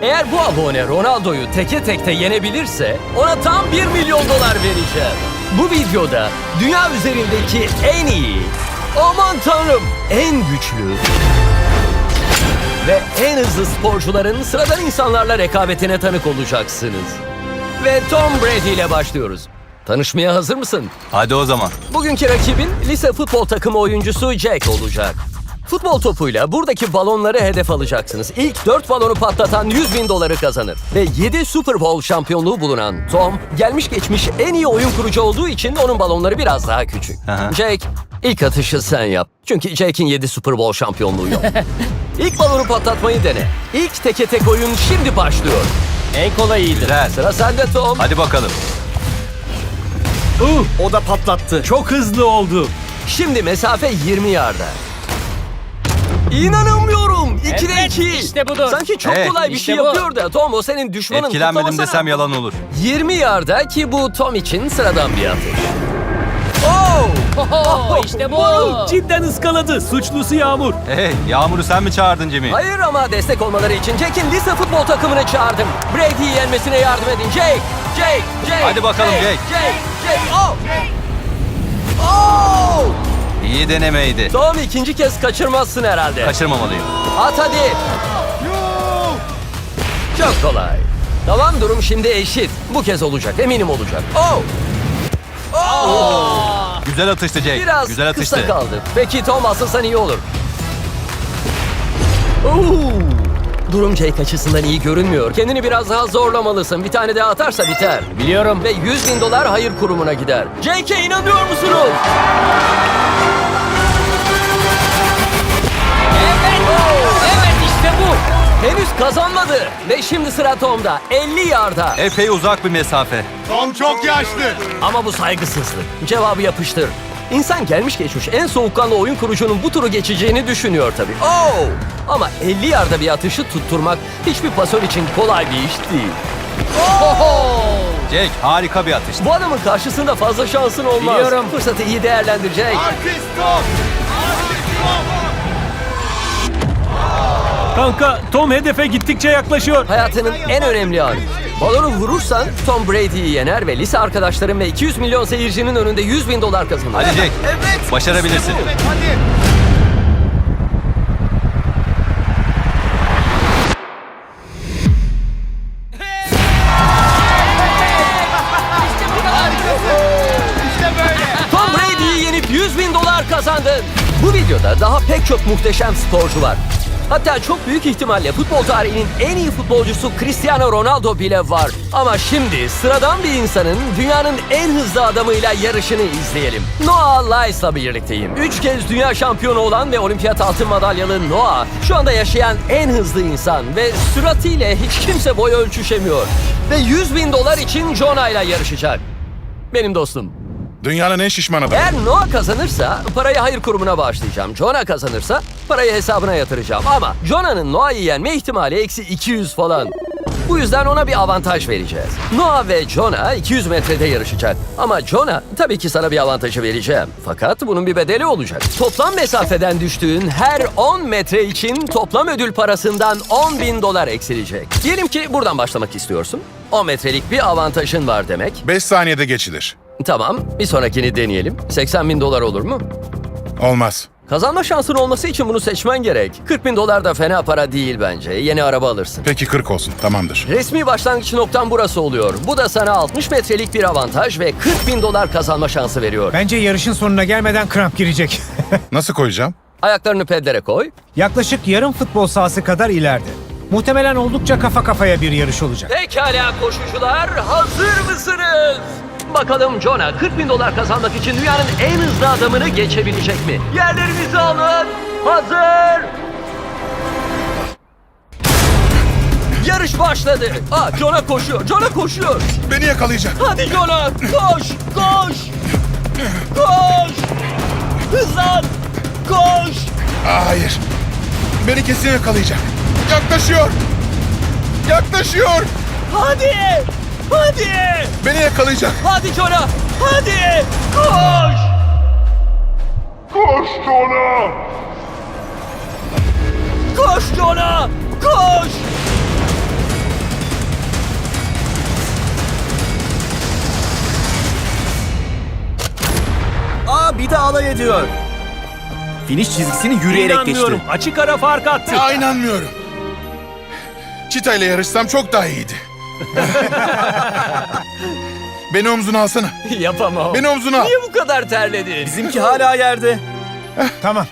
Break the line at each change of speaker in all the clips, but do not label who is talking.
Eğer bu abone Ronaldo'yu teke tekte yenebilirse ona tam $1 milyon vereceğim. Bu videoda dünya üzerindeki en iyi, aman tanrım en güçlü ve en hızlı sporcuların sıradan insanlarla rekabetine tanık olacaksınız. Ve Tom Brady ile başlıyoruz. Tanışmaya hazır mısın?
Hadi o zaman.
Bugünkü rakibin lise futbol takımı oyuncusu Jack olacak. Futbol topuyla buradaki balonları hedef alacaksınız. İlk 4 balonu patlatan $100.000 kazanır. Ve 7 Super Bowl şampiyonluğu bulunan Tom, gelmiş geçmiş en iyi oyun kurucu olduğu için onun balonları biraz daha küçük.
Aha.
Jack, ilk atışı sen yap. Çünkü Jack'in 7 Super Bowl şampiyonluğu yok. İlk balonu patlatmayı dene. İlk teke tek oyun şimdi başlıyor.
En kolayıydı.
Güzel.
Sıra sende Tom.
Hadi bakalım.
O da patlattı. Çok hızlı oldu.
Şimdi mesafe 20 yarda. İnanamıyorum. 2'de
Evet,
2.
işte budur.
Sanki çok
Evet,
kolay bir
işte
şey
bu.
yapıyor da Tom o senin düşmanın.
Etkilenmedim
kutlamasana.
desem yalan olur.
20 yarda ki bu Tom için sıradan bir atış. Oh!
Oho, işte bu.
Cidden ıskaladı. Suçlusu Yağmur.
Hey, Yağmur'u sen mi çağırdın Jimmy?
Hayır ama destek olmaları için Jack'in lise futbol takımını çağırdım. Brady'yi yenmesine yardım edin. Jake.
Hadi bakalım Jake.
Jake. Oh! Oh!
İyi denemeydi.
Tom ikinci kez kaçırmazsın herhalde.
Kaçırmamalıyım.
At hadi. Çok kolay. Tamam, durum şimdi eşit. Bu kez olacak, eminim olacak. Oh! Oh!
Güzel atıştı Jake.
Biraz
Güzel atıştı.
kısa kaldı. Peki Tom, asılsan iyi olur. Oo! Durum Jake açısından iyi görünmüyor. Kendini biraz daha zorlamalısın. Bir tane daha atarsa biter.
Biliyorum.
Ve $100.000 hayır kurumuna gider. Jake'e inanıyor musunuz?
Evet işte bu.
Henüz kazanmadı. Ve şimdi sıra Tom'da. 50 yarda.
Epey uzak bir mesafe.
Tom çok yaşlı.
Ama bu saygısızlık. Cevabı yapıştır. İnsan gelmiş geçmiş en soğukkanlı oyun kurucunun bu turu geçeceğini düşünüyor tabii. Oh! Ama 50 yarda bir atışı tutturmak hiçbir pasör için kolay bir iş değil.
Jake harika bir atıştı.
Bu adamın karşısında fazla şansın olmaz.
Biliyorum.
Fırsatı iyi değerlendirecek.
Artist Tom.
Kanka Tom hedefe gittikçe yaklaşıyor.
Hayatının en önemli anı. Balonu vurursan Tom Brady'yi yener ve lise arkadaşların ve 200 milyon seyircinin önünde $100.000 kazanır.
Hadi Jake.
Evet.
Başarabilirsin.
Evet, hadi. İşte böyle.
Tom Brady'yi yenip $100.000 kazandın. Bu videoda daha pek çok muhteşem sporcu var. Hatta çok büyük ihtimalle futbol tarihinin en iyi futbolcusu Cristiano Ronaldo bile var. Ama şimdi sıradan bir insanın dünyanın en hızlı adamıyla yarışını izleyelim. Noah Lyles'la birlikteyim. 3 kez dünya şampiyonu olan ve olimpiyat altın madalyalı Noah şu anda yaşayan en hızlı insan ve süratiyle hiç kimse boy ölçüşemiyor. Ve $100.000 için Jonah ile yarışacak. Benim dostum.
Dünyanın en şişman adamı.
Eğer Noah kazanırsa parayı hayır kurumuna bağışlayacağım. Jonah kazanırsa parayı hesabına yatıracağım. Ama Jonah'nın Noah'yı yenme ihtimali -200 falan. Bu yüzden ona bir avantaj vereceğiz. Noah ve Jonah 200 metrede yarışacak. Ama Jonah tabii ki sana bir avantajı vereceğim. Fakat bunun bir bedeli olacak. Toplam mesafeden düştüğün her 10 metre için toplam ödül parasından $10.000 eksilecek. Diyelim ki buradan başlamak istiyorsun. 10 metrelik bir avantajın var demek.
5 saniyede geçilir.
Tamam, bir sonrakini deneyelim. $80.000 olur mu?
Olmaz.
Kazanma şansın olması için bunu seçmen gerek. $40.000 da fena para değil bence. Yeni araba alırsın.
Peki 40 olsun. Tamamdır.
Resmi başlangıç noktan burası oluyor. Bu da sana 60 metrelik bir avantaj ve $40.000 kazanma şansı veriyor.
Bence yarışın sonuna gelmeden kramp girecek.
Nasıl koyacağım?
Ayaklarını pedlere koy.
Yaklaşık yarım futbol sahası kadar ileride. Muhtemelen oldukça kafa kafaya bir yarış olacak.
Pekala koşucular, hazır mısınız? Bakalım Jonah $40.000 kazanmak için dünyanın en hızlı adamını geçebilecek mi? Yerlerinizi alın. Hazır. Yarış başladı. Jonah koşuyor. Jonah koşuyor.
Beni yakalayacak.
Hadi Jonah, koş, koş. Koş. Hızlan. Koş.
Hayır. Beni kesin yakalayacak. Yaklaşıyor. Yaklaşıyor.
Hadi. Hadi.
Beni yakalayacak.
Hadi Jonah. Hadi. Koş.
Koş Jonah.
Koş Jonah. Koş.
alay ediyor. Finish çizgisini yürüyerek geçti.
İnanmıyorum. Açık ara fark attı.
Ya inanmıyorum. Çita ile yarışsam çok daha iyiydi. Beni omzuna alsana.
Yapamam.
Beni omzuna al.
Niye bu kadar terledin?
Bizimki hala yerde.
Tamam.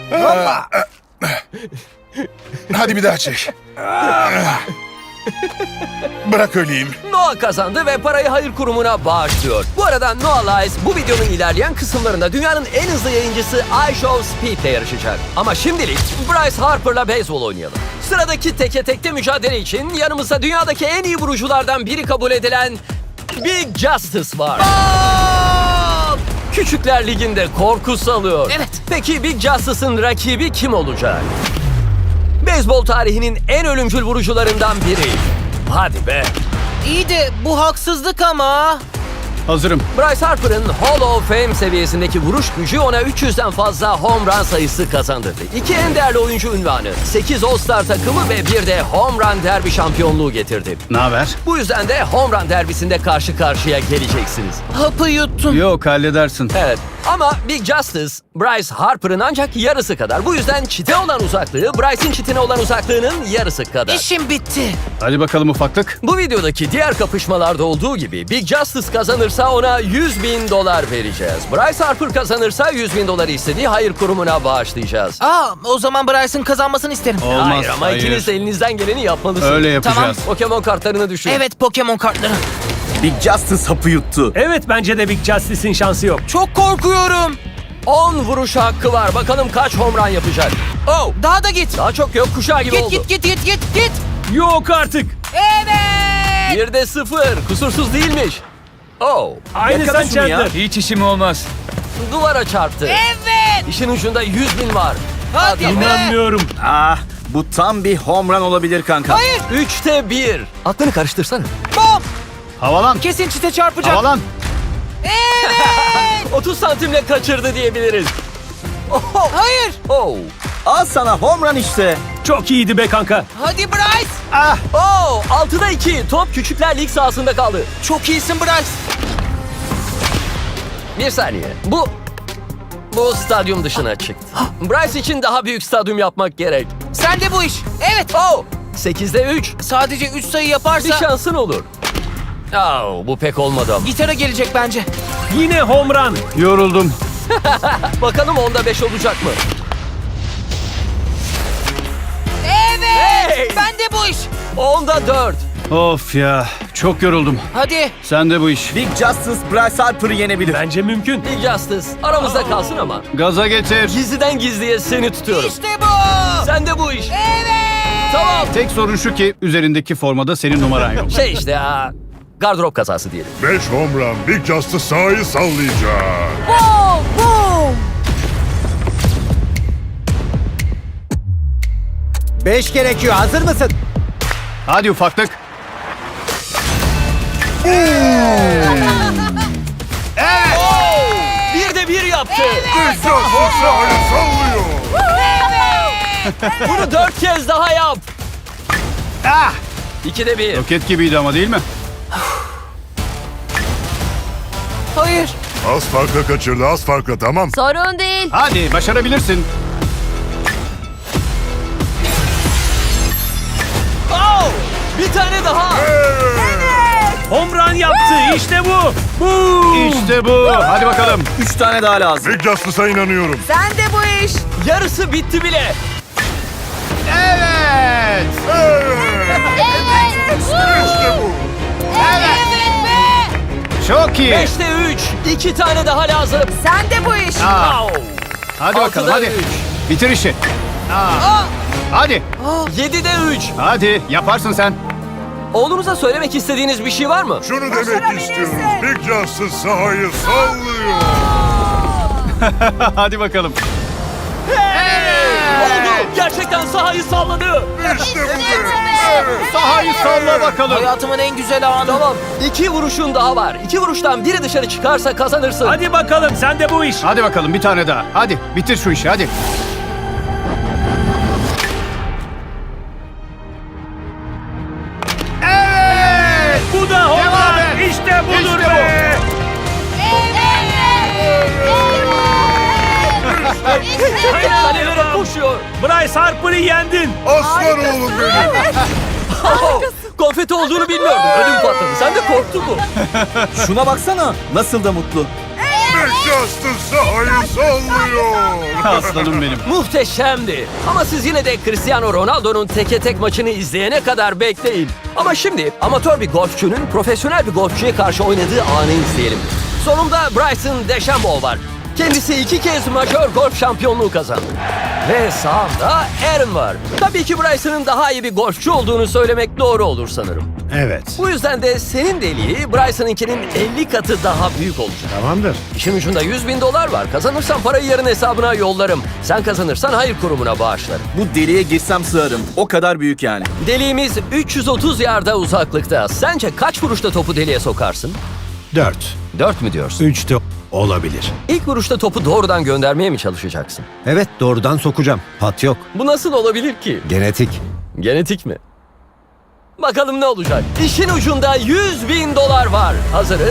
Hadi bir daha çek. Bırak öleyim.
Noah kazandı ve parayı hayır kurumuna bağışlıyor. Bu arada Noah Lyles bu videonun ilerleyen kısımlarında dünyanın en hızlı yayıncısı iShow Speed'le yarışacak. Ama şimdilik Bryce Harper'la beyzbol oynayalım. Sıradaki teke tekte mücadele için yanımızda dünyadaki en iyi vuruculardan biri kabul edilen Big Justice var. Küçükler Ligi'nde korku salıyor.
Evet.
Peki Big Justice'ın rakibi kim olacak? Beyzbol tarihinin en ölümcül vurucularından biri. Hadi be.
İyi de bu haksızlık ama.
Hazırım.
Bryce Harper'ın Hall of Fame seviyesindeki vuruş gücü ona 300'den fazla home run sayısı kazandırdı. 2 en değerli oyuncu unvanı, 8 All-Star takımı ve bir de home run derbi şampiyonluğu getirdi.
Ne haber?
Bu yüzden de home run derbisinde karşı karşıya geleceksiniz.
Hapı yuttum.
Yok halledersin.
Evet ama Big Justice, Bryce Harper'ın ancak yarısı kadar. Bu yüzden çite olan uzaklığı, Bryce'in çitine olan uzaklığının yarısı kadar.
İşim bitti.
Hadi bakalım ufaklık.
Bu videodaki diğer kapışmalarda olduğu gibi Big Justice kazanırsa ona $100.000 vereceğiz. Bryce Harper kazanırsa $100.000 istediği hayır kurumuna bağışlayacağız.
O zaman Bryce'ın kazanmasını isterim.
Olmaz.
Hayır ama ikiniz de elinizden geleni yapmalısınız.
Öyle yapacağız.
Tamam.
Pokemon kartlarını düşün.
Evet, Pokemon kartları.
Big Justice hapı yuttu.
Evet bence de Big Justice'in şansı yok.
Çok korkuyorum.
10 vuruş hakkı var. Bakalım kaç home run yapacak. Oh!
Daha da git.
Daha çok yok, kuşağı gibi oldu.
Git.
Yok artık.
Evet.
1'de 0. Kusursuz değilmiş. Oh!
Aynı
Yakala
sen
şunu ya.
Chandler.
Hiç işim olmaz.
Duvara çarptı.
Evet.
İşin ucunda 100.000 var.
Hadi be.
İnanmıyorum.
Ah, bu tam bir home run olabilir kanka.
Hayır.
3'te 1. Aklını karıştırsana.
Bom.
Havalan.
Kesin çite çarpacak.
Havalan.
30 santimle kaçırdı diyebiliriz. Oh!
Hayır.
Oh!
Al sana home run işte.
Çok iyiydi be kanka.
Hadi Bryce.
Oh! 6'da 2. Top Küçükler Lig sahasında kaldı.
Çok iyisin Bryce.
Bir saniye. Bu stadyum dışına çıktı. Bryce için daha büyük stadyum yapmak gerek.
Sen de bu iş. Evet.
Oh! 8'de 3.
Sadece 3 sayı
Bir
yaparsa
şansın olur. Oh, bu pek olmadı ama.
gitara gelecek bence.
Yine home run. Yoruldum.
Bakalım 10'da 5 olacak mı?
Evet.
Hey!
Ben de bu iş.
10'da 4.
Of ya. Çok yoruldum.
Hadi.
Sen de bu iş.
Big Justice Bryce Harper'ı yenebilir.
Bence mümkün.
Big Justice aramızda kalsın ama.
Gaza getir.
Gizliden gizliye seni tutuyorum.
İşte bu.
Sen de bu iş.
Evet.
Tamam.
Tek sorun şu ki üzerindeki formada senin numaran yok.
Şey işte ya. Gardırop kazası diyelim.
5 home run. Big Justice sahayı sallayacak.
Boom. Boom.
5 gerekiyor. Hazır mısın?
Hadi ufaklık.
Bir de 1 yaptı.
Big Justice sahayı sallıyor.
Bunu 4 kez daha yap.
Ah!
2'de 1.
Roket gibiydi ama değil mi?
Hayır.
Az farkla kaçırdı. Az farkla, tamam.
Sorun değil.
Hadi başarabilirsin.
Oh! Bir tane daha.
Home run yaptı. İşte bu. İşte bu. Hadi bakalım.
3 tane daha lazım.
Big Justice'a inanıyorum.
Sen de bu iş.
Yarısı bitti bile.
Evet.
İşte bu.
Evet be.
Çok iyi.
5'te 3. 2 tane daha lazım.
Sen de bu iş.
Aa,
Oh!
hadi bakalım
6'da
hadi.
3.
Bitir işi. Hadi.
7'de 3.
Hadi yaparsın sen.
Oğlunuza söylemek istediğiniz bir şey var mı?
Şunu demek istiyoruz. Big Justice sahayı sallıyor.
Hadi bakalım.
Oldu. Gerçekten sahayı salladı.
İşte bu be.
Sahayı salla bakalım.
Hayatımın en güzel anı.
Tamam. 2 vuruşun daha var. 2 vuruştan biri dışarı çıkarsa kazanırsın.
Hadi bakalım sen de bu iş. Hadi bakalım bir tane daha. Hadi bitir şu işi hadi. Evet. Bu da home run. İşte budur
Evet.
be.
Kalelere koşuyor.
Bryce Harper'ı yendin.
Aslan oğlum benim.
Konfeti olduğunu bilmiyordum. Ödüm patladı. Sen de korktun mu?
Şuna baksana. Nasıl da mutlu.
Newcastle sahayı sallıyor.
Aslanım benim.
Muhteşemdi. Ama siz yine de Cristiano Ronaldo'nun teke tek maçını izleyene kadar bekleyin. Ama şimdi amatör bir golfçünün profesyonel bir golfçüye karşı oynadığı anı izleyelim. Sonunda Bryson DeChambeau var. Kendisi 2 kez majör golf şampiyonluğu kazandı. Ve sağında Aaron var. Tabii ki Bryson'ın daha iyi bir golfçü olduğunu söylemek doğru olur sanırım.
Evet.
Bu yüzden de senin deliği Bryson'ınkinin 50 katı daha büyük olacak.
Tamamdır.
İşin ucunda $100.000 var. Kazanırsan parayı yarın hesabına yollarım. Sen kazanırsan hayır kurumuna bağışlarım.
Bu deliğe girsem sığarım. O kadar büyük yani.
Deliğimiz 330 yarda uzaklıkta. Sence kaç vuruşta topu deliğe sokarsın?
4.
4 mü diyorsun?
3 de olabilir.
İlk vuruşta topu doğrudan göndermeye mi çalışacaksın?
Evet, doğrudan sokacağım. Pat yok.
Bu nasıl olabilir ki?
Genetik.
Genetik mi? Bakalım ne olacak? İşin ucunda $100.000 var. Hazırız.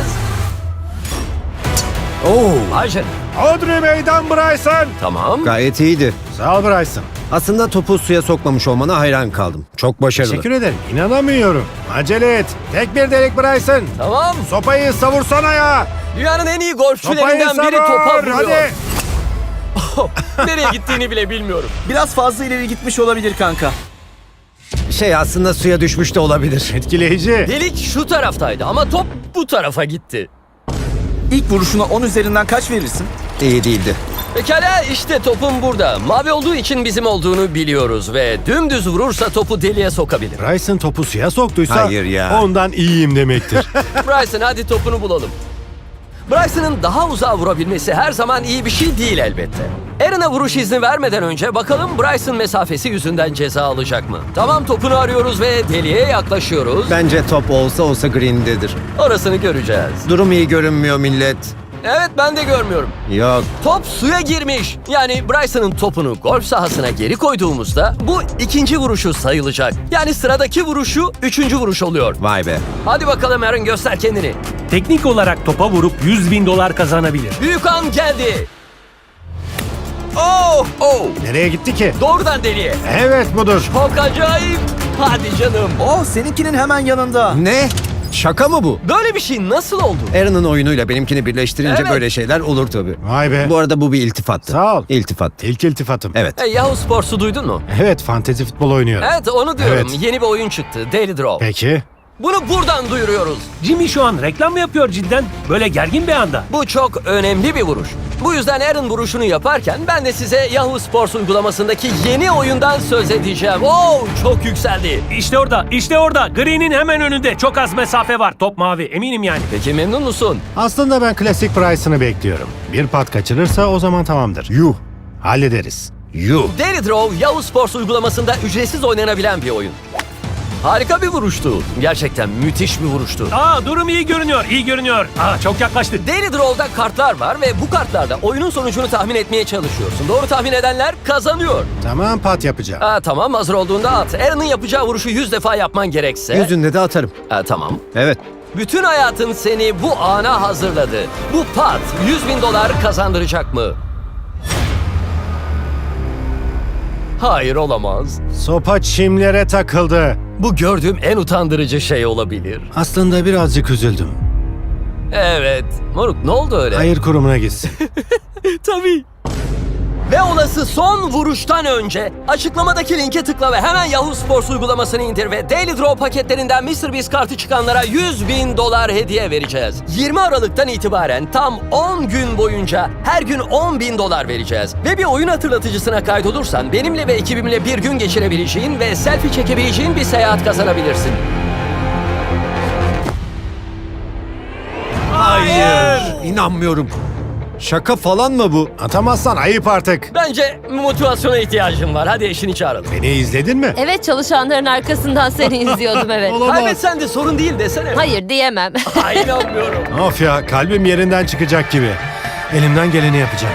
Oo,
Ayşe.
Audrey meydan Bryson.
Tamam.
gayet iyiydi.
Sağ ol Bryson.
Aslında topu suya sokmamış olmana hayran kaldım. Çok başarılı.
Teşekkür ederim. İnanamıyorum. Acele et. Tek bir delik Bryson.
Tamam.
Sopayı savursana ya.
Dünyanın en iyi
Sopayı
golfçülerinden biri
savur.
topa vuruyor.
Hadi.
Nereye gittiğini bile bilmiyorum.
Biraz fazla ileri gitmiş olabilir kanka.
Aslında suya düşmüş de olabilir.
Etkileyici.
Delik şu taraftaydı ama top bu tarafa gitti.
İlk vuruşuna 10 üzerinden kaç verirsin?
İyi değildi.
Pekala işte topum burada. Mavi olduğu için bizim olduğunu biliyoruz ve dümdüz vurursa topu deliğe sokabilir.
Bryson topu suya soktuysa
Hayır ya.
ondan iyiyim demektir.
Bryson hadi topunu bulalım. Bryson'ın daha uzağa vurabilmesi her zaman iyi bir şey değil elbette. Aaron'a vuruş izni vermeden önce bakalım Bryson mesafesi yüzünden ceza alacak mı? Tamam topunu arıyoruz ve deliğe yaklaşıyoruz.
Bence top olsa green'dedir.
Orasını göreceğiz.
Durum iyi görünmüyor millet.
Evet ben de görmüyorum.
Yok.
Top suya girmiş. Yani Bryson'ın topunu golf sahasına geri koyduğumuzda bu ikinci vuruşu sayılacak. Yani sıradaki vuruşu üçüncü vuruş oluyor.
Vay be.
Hadi bakalım Aaron göster kendini.
Teknik olarak topa vurup $100.000 kazanabilir.
Büyük an geldi. Oh! Oh!
Nereye gitti ki?
Doğrudan deliğe.
Evet budur.
Çok acayip. Hadi canım.
Oh, seninkinin hemen yanında.
Ne? Şaka mı bu?
Böyle bir şey nasıl oldu?
Aaron'ın oyunuyla benimkini birleştirince
Evet.
böyle şeyler olur tabii.
Vay be.
Bu arada bu bir iltifattı.
Sağ ol.
İltifat.
İlk iltifatım.
Evet.
Hey, Yahoo Sports'u duydun mu?
Evet, fantezi futbol oynuyorum.
Evet onu diyorum.
Evet.
Yeni bir oyun çıktı. Daily Draw.
Peki.
Bunu buradan duyuruyoruz.
Jimmy şu an reklam mı yapıyor cidden? Böyle gergin bir anda.
Bu çok önemli bir vuruş. Bu yüzden Aaron vuruşunu yaparken ben de size Yahoo Sports uygulamasındaki yeni oyundan söz edeceğim. Oh, çok yükseldi.
İşte orada. Green'in hemen önünde. Çok az mesafe var. Top mavi. Eminim yani.
Peki memnun musun?
Aslında ben klasik Bryson'ı bekliyorum. Bir pat kaçırırsa o zaman tamamdır.
Yuh.
Hallederiz.
Yuh.
Daily Draw Yahoo Sports uygulamasında ücretsiz oynanabilen bir oyun. Harika bir vuruştu. Gerçekten müthiş bir vuruştu.
Durum iyi görünüyor. İyi görünüyor. Çok yaklaştı.
Daily Draw'da kartlar var ve bu kartlarda oyunun sonucunu tahmin etmeye çalışıyorsun. Doğru tahmin edenler kazanıyor.
Tamam, pat yapacağım.
Tamam hazır olduğunda at. Aaron'ın yapacağı vuruşu 100 defa yapman gerekse.
Yüzünde de atarım.
Tamam.
Evet.
Bütün hayatın seni bu ana hazırladı. Bu pat $100.000 kazandıracak mı? Hayır olamaz.
Sopa çimlere takıldı.
Bu gördüğüm en utandırıcı şey olabilir.
Aslında birazcık üzüldüm.
Evet. Moruk ne oldu öyle?
Hayır kurumuna gitsin.
Tabii. Ve olası son vuruştan önce açıklamadaki linke tıkla ve hemen Yahoo Sports uygulamasını indir ve Daily Draw paketlerinden MrBeast kartı çıkanlara $100.000 hediye vereceğiz. 20 Aralık'tan itibaren tam 10 gün boyunca her gün $10.000 vereceğiz. Ve bir oyun hatırlatıcısına kaydolursan benimle ve ekibimle bir gün geçirebileceğin ve selfie çekebileceğin bir seyahat kazanabilirsin.
Hayır. İnanmıyorum. Şaka falan mı bu?
Atamazsan ayıp artık.
Bence motivasyona ihtiyacım var. Hadi eşini çağıralım.
Beni izledin mi?
Evet, çalışanların arkasından seni izliyordum evet.
Kaybetsen de sorun değil desene.
Hayır diyemem.
Ay, inanmıyorum.
Of ya, kalbim yerinden çıkacak gibi. Elimden geleni yapacağım.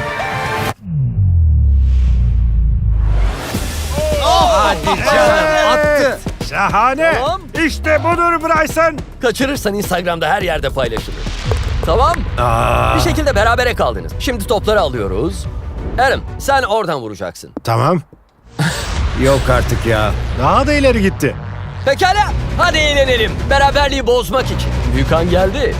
Attı.
Şahane.
Tamam.
İşte budur Bryson.
Kaçırırsan Instagram'da her yerde paylaşılır. Tamam. Bir şekilde berabere kaldınız. Şimdi topları alıyoruz. Adam, sen oradan vuracaksın.
Tamam.
Yok artık ya.
Daha da ileri gitti.
Pekala, hadi eğlenelim. Beraberliği bozmak için. Büyük an geldi.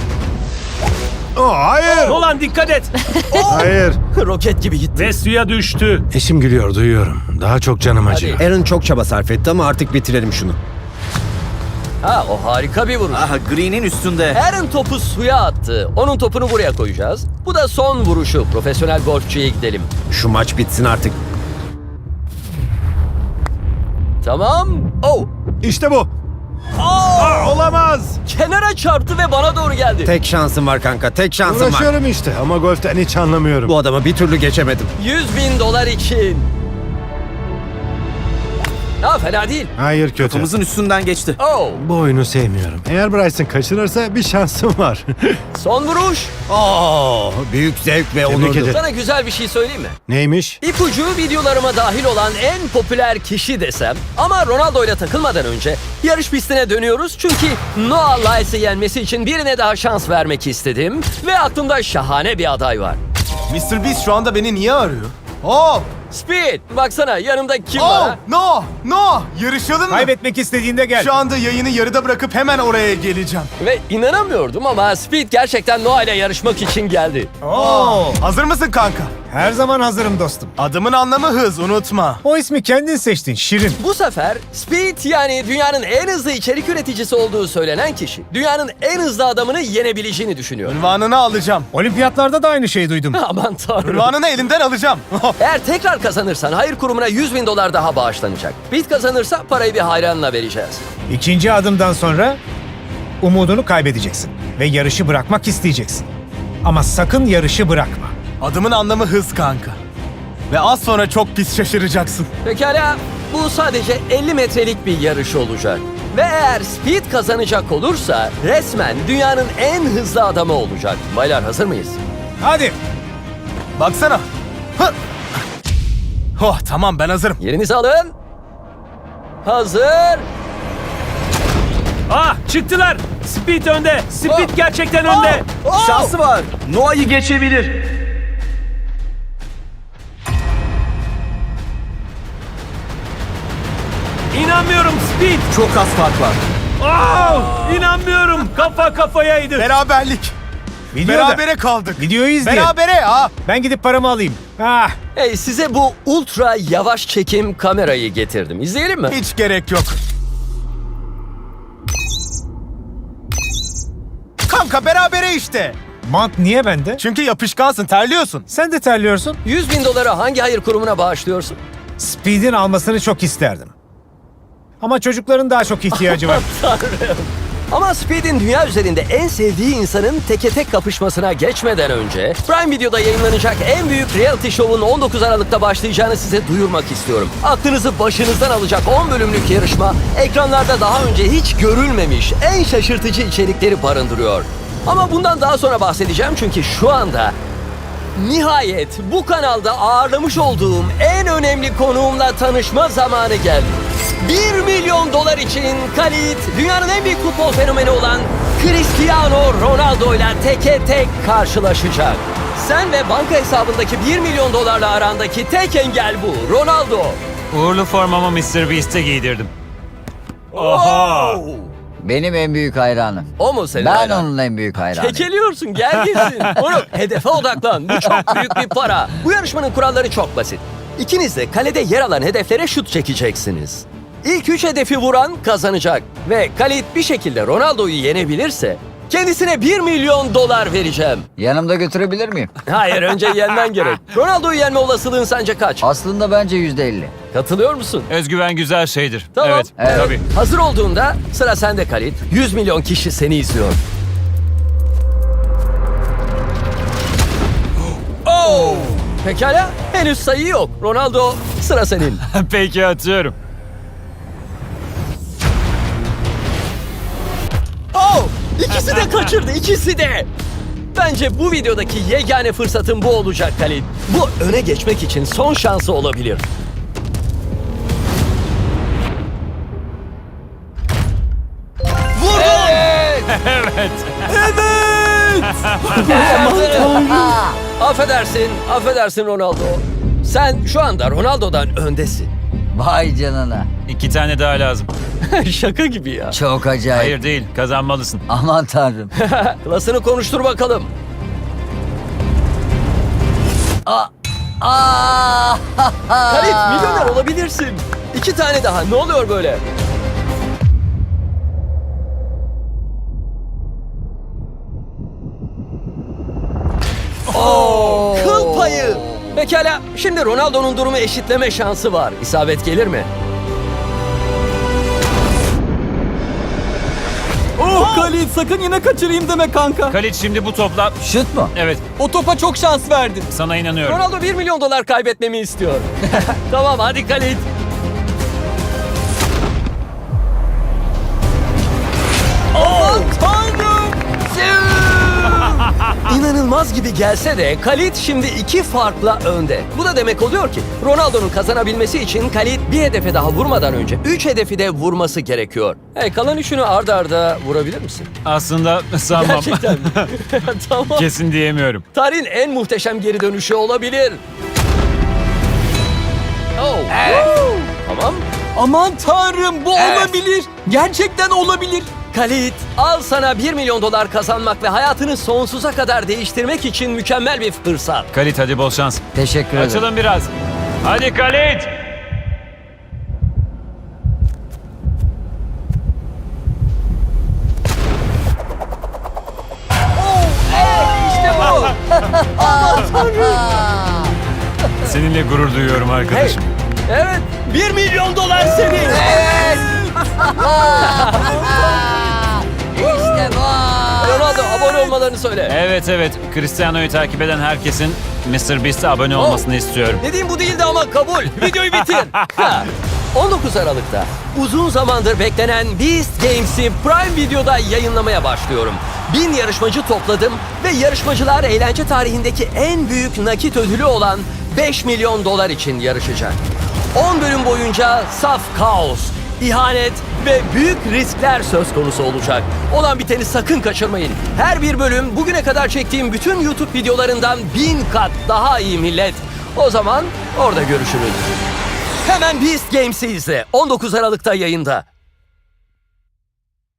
Hayır.
Nolan dikkat et.
Hayır.
Roket gibi gitti.
Ve suya düştü.
Eşim gülüyor, duyuyorum. Daha çok canım acıyor.
Aaron çok çaba sarf etti ama artık bitirelim şunu.
Ha, o harika bir vuruş.
Aha green'in üstünde.
Aaron topu suya attı. Onun topunu buraya koyacağız. Bu da son vuruşu. Profesyonel golfçüye gidelim.
Şu maç bitsin artık.
Tamam. Oh.
İşte bu. Olamaz.
Kenara çarptı ve bana doğru geldi.
Tek şansım var kanka, tek şansım var.
Uğraşıyorum işte ama golften hiç anlamıyorum.
Bu adamı bir türlü geçemedim.
$100.000 için. Ha, fena değil.
Hayır, kötü.
Kafamızın üstünden geçti.
Oh.
Bu oyunu sevmiyorum. Eğer Bryson kaçırırsa bir şansım var.
Son vuruş.
Büyük zevk ve
Tebrik
onurdu.
ederim.
Sana güzel bir şey söyleyeyim mi?
Neymiş?
İpucu videolarıma dahil olan en popüler kişi desem. Ama Ronaldo ile takılmadan önce yarış pistine dönüyoruz. Çünkü Noah Lyles'ı yenmesi için birine daha şans vermek istedim. Ve aklımda şahane bir aday var.
Mr. Beast şu anda beni niye arıyor? Oh!
Speed, baksana yanımda kim var?
No! No! Yarışalım mı?
Kaybetmek istediğinde gel.
Şu anda yayını yarıda bırakıp hemen oraya geleceğim.
Ve inanamıyordum ama Speed gerçekten Noah ile yarışmak için geldi.
Hazır mısın kanka?
Her zaman hazırım dostum.
Adımın anlamı hız, unutma.
O ismi kendin seçtin Şirin.
Bu sefer Speed, yani dünyanın en hızlı içerik üreticisi olduğu söylenen kişi, dünyanın en hızlı adamını yenebileceğini düşünüyor.
Ünvanını alacağım.
Olimpiyatlarda da aynı şeyi duydum.
Aman tanrım.
Ünvanını elinden alacağım.
Eğer tekrar kazanırsan hayır kurumuna $100.000 daha bağışlanacak. Speed kazanırsa parayı bir hayranla vereceğiz.
İkinci adımdan sonra umudunu kaybedeceksin ve yarışı bırakmak isteyeceksin. Ama sakın yarışı bırakma.
Adımın anlamı hız kanka. Ve az sonra çok pis şaşıracaksın.
Pekala, bu sadece 50 metrelik bir yarış olacak. Ve eğer Speed kazanacak olursa resmen dünyanın en hızlı adamı olacak. Baylar, hazır mıyız?
Hadi.
Baksana. Hı! Oh tamam, ben hazırım.
Yerinizi alın. Hazır.
Ah, çıktılar. Speed önde. Speed
Oh.
gerçekten önde.
Oh!
Şansı var. Noah'yı geçebilir.
İnanmıyorum Speed.
Çok az fark var.
İnanmıyorum. Kafa kafayaydı.
Beraberlik.
Videoda.
Berabere kaldık.
Videoyu izleyin.
Berabere ha.
Ben gidip paramı alayım.
Hey, size bu ultra yavaş çekim kamerayı getirdim. İzleyelim mi?
Hiç gerek yok. Kanka berabere işte.
Mant niye bende?
Çünkü yapışkansın, terliyorsun.
Sen de terliyorsun.
$100.000 hangi hayır kurumuna bağışlıyorsun?
Speed'in almasını çok isterdim. Ama çocukların daha çok ihtiyacı var.
Ama Speed'in dünya üzerinde en sevdiği insanın teke tek kapışmasına geçmeden önce Prime Video'da yayınlanacak en büyük reality show'un 19 Aralık'ta başlayacağını size duyurmak istiyorum. Aklınızı başınızdan alacak 10 bölümlük yarışma ekranlarda daha önce hiç görülmemiş en şaşırtıcı içerikleri barındırıyor. Ama bundan daha sonra bahsedeceğim çünkü şu anda nihayet bu kanalda ağırlamış olduğum en önemli konuğumla tanışma zamanı geldi. $1 milyon için Khalid, dünyanın en büyük futbol fenomeni olan Cristiano Ronaldo ile teke tek karşılaşacak. Sen ve banka hesabındaki $1 milyon arandaki tek engel bu, Ronaldo.
Uğurlu formamı Mr. Beast'e giydirdim.
Oha!
Benim en büyük hayranım.
O mu senin
Ben
hayran?
onun en büyük hayranıyım.
Kekeliyorsun, gel gitsin. Onu hedefe odaklan. Bu çok büyük bir para. Bu yarışmanın kuralları çok basit. İkiniz de kalede yer alan hedeflere şut çekeceksiniz. İlk 3 hedefi vuran kazanacak. Ve Khalid bir şekilde Ronaldo'yu yenebilirse kendisine $1 milyon vereceğim.
Yanımda götürebilir miyim?
Hayır, önce yenmen gerek. Ronaldo'yu yenme olasılığın sence kaç?
Aslında bence %50.
Katılıyor musun?
Özgüven güzel şeydir.
Tamam.
Evet.
Tabii.
Hazır olduğunda sıra sende Khalid. 100 milyon kişi seni izliyor. Oh! Pekala, henüz sayı yok. Ronaldo, sıra senin.
Peki, atıyorum.
Oh! İkisi de kaçırdı, ikisi de. Bence bu videodaki yegane fırsatın bu olacak Khalid. Bu öne geçmek için son şansı olabilir. Vurdun! Evet! Affedersin Ronaldo. Sen şu anda Ronaldo'dan öndesin.
Vay canına.
2 tane daha lazım.
Şaka gibi ya.
Çok acayip.
Hayır değil, kazanmalısın.
Aman tanrım.
Klasını konuştur bakalım. Halit milyoner olabilirsin. 2 tane daha. Ne oluyor böyle? Kıl payı. Pekala. Şimdi Ronaldo'nun durumu eşitleme şansı var. İsabet gelir mi?
Oh Khalid sakın yine kaçırayım deme kanka.
Kalit şimdi bu topla...
Şut mu?
Evet,
O topa çok şans verdin.
sana inanıyorum.
Ronaldo 1 milyon dolar kaybetmemi istiyor. Tamam hadi Khalid. İnanılmaz gibi gelse de Khalid şimdi 2 farkla önde. Bu da demek oluyor ki Ronaldo'nun kazanabilmesi için Khalid bir hedefe daha vurmadan önce 3 hedefi de vurması gerekiyor. Kalan üçünü arda arda vurabilir misin?
Aslında sanmam.
Gerçekten mi? Tamam.
Kesin diyemiyorum.
Tarihin en muhteşem geri dönüşü olabilir. Oh. Tamam.
Aman tanrım bu olabilir. Gerçekten olabilir.
Khalid, al sana 1 milyon dolar kazanmak ve hayatını sonsuza kadar değiştirmek için mükemmel bir fırsat.
Kalit hadi bol şans.
Teşekkür ederim.
Açılın biraz. Hadi Kalit.
İşte bu.
Seninle gurur duyuyorum arkadaşım.
Evet, 1 milyon dolar senin.
İşte bu.
Ronaldo abone olmalarını söyle.
Evet. Cristiano'yu takip eden herkesin MrBeast'e abone olmasını istiyorum.
Dediğim bu değildi ama kabul. Videoyu bitir. 19 Aralık'ta uzun zamandır beklenen Beast Games'i Prime Video'da yayınlamaya başlıyorum. 1000 yarışmacı topladım ve yarışmacılar eğlence tarihindeki en büyük nakit ödülü olan 5 milyon dolar için yarışacak. 10 bölüm boyunca saf kaos, ihanet ve büyük riskler söz konusu olacak. Olan biteni sakın kaçırmayın. Her bir bölüm bugüne kadar çektiğim bütün YouTube videolarından 1000 kat daha iyi millet. O zaman orada görüşürüz. Hemen Beast Games'i izle. 19 Aralık'ta yayında.